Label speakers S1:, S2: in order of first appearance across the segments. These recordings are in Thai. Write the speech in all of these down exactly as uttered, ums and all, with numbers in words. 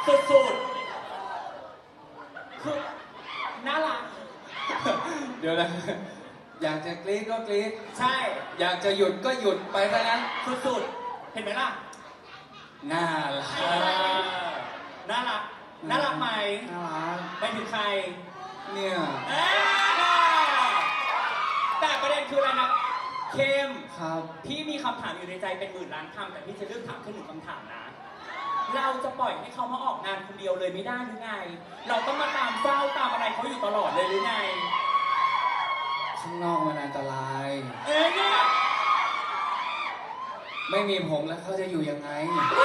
S1: สุดๆคือน่ารัก
S2: เดี๋ยวนะ อยากจะกรี๊ดก็กรี๊ด
S1: ใช่
S2: อยากจะหยุดก็หยุดไปซะงั้น
S1: สุดๆเห็นไหมล่ะ
S2: น่ารัก
S1: เออน่ารักน่ารักไหม
S2: น่ารัก
S1: ไปถึงใคร
S2: เนี่ย
S1: เอ้ยแต่ประเด็นคืออะไรนะเข้ม
S2: ครับ
S1: พี่มีคำถามอยู่ในใจเป็นหมื่นล้านคำแต่พี่จะเลือกถามแค่หนึ่งคำถามนะ เราจะปล่อยให้เขามาออกงานคนเดียวเลยไม่ได้หรือไง เราต้องมาตามเจ้าตามอะไรเขาอยู่ตลอดเลยหรือไง
S2: ข้างนอกมันอันตราย
S1: เอ้ยเนี่ย
S2: ไม่มีผมแล้วเขาจะอยู่ยังไง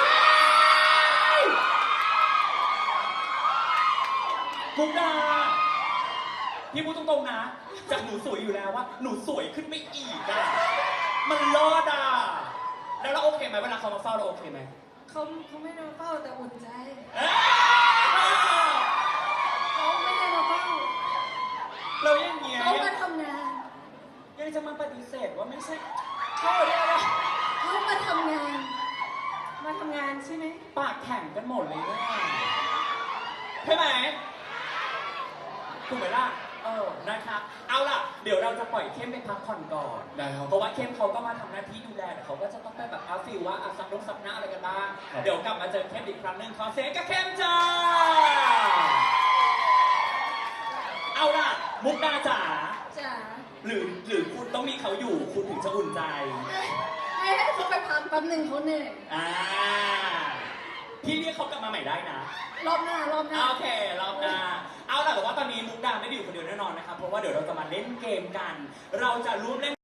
S1: มุกดาพี่พูดตรงๆนะ จากหนูสวยอยู่แล้วว่าหนูสวยขึ้นไปอีกอะมันรอดอะแล้วเราโอเคไหมเวลาเขามาเฝ้าเราโอเคไหม
S3: เขาเขาไม่ได้มาเฝ้าแต่อุ่นใจ
S1: เอ้ย
S3: เขาไม่ได้มาเฝ้า
S1: เราอย่างเงี้ย
S3: เขามาทำงาน
S1: ยังจะมาปฏิเสธว่าไม่ใช่เขาเนี่ยนะ
S3: เขามาทำงาน มาทำงานใช่ไหม
S1: ปากแข็งกันหมดเลยเนี่ยใช่ไหมถูกไหมล่ะเออนะครับเอาล่ะเดี๋ยวเราจะปล่อยเข้มไปพักผ่อนก่อน
S2: ได้ครับ
S1: เพราะว่าเข้มเขาก็มาทำหน้าที่ดูแลแต่เขาก็จะต้องไปแบบอาฟิลว่าอาซับลงซับหน้าอะไรกันบ้าง
S2: ครับ
S1: เดี๋ยวกลับมาเจอเข้มอีกครั้งหนึ่งขอเสียงกับเข้มจ้าเอาล่ะมุกดาจ๋า
S3: จ๋า
S1: หรือหรือคุณต้องมีเขาอยู่คุณถึงจะอุ่นใจ
S3: ให้ให้เขาไปพักแป๊บหนึ่งเขาเหนื่อย
S1: อ่าพี่เรียกเขากลับมาใหม่ได้นะ
S3: รอบหน้ารอบหน้า
S1: โอเครอบหน้าเอาล่ะแต่ว่าตอนนี้มุกดาไม่ได้อยู่คนเดียวแน่นอนนะครับเพราะว่าเดี๋ยวเราจะมาเล่นเกมกัน เราจะร่วมเล่น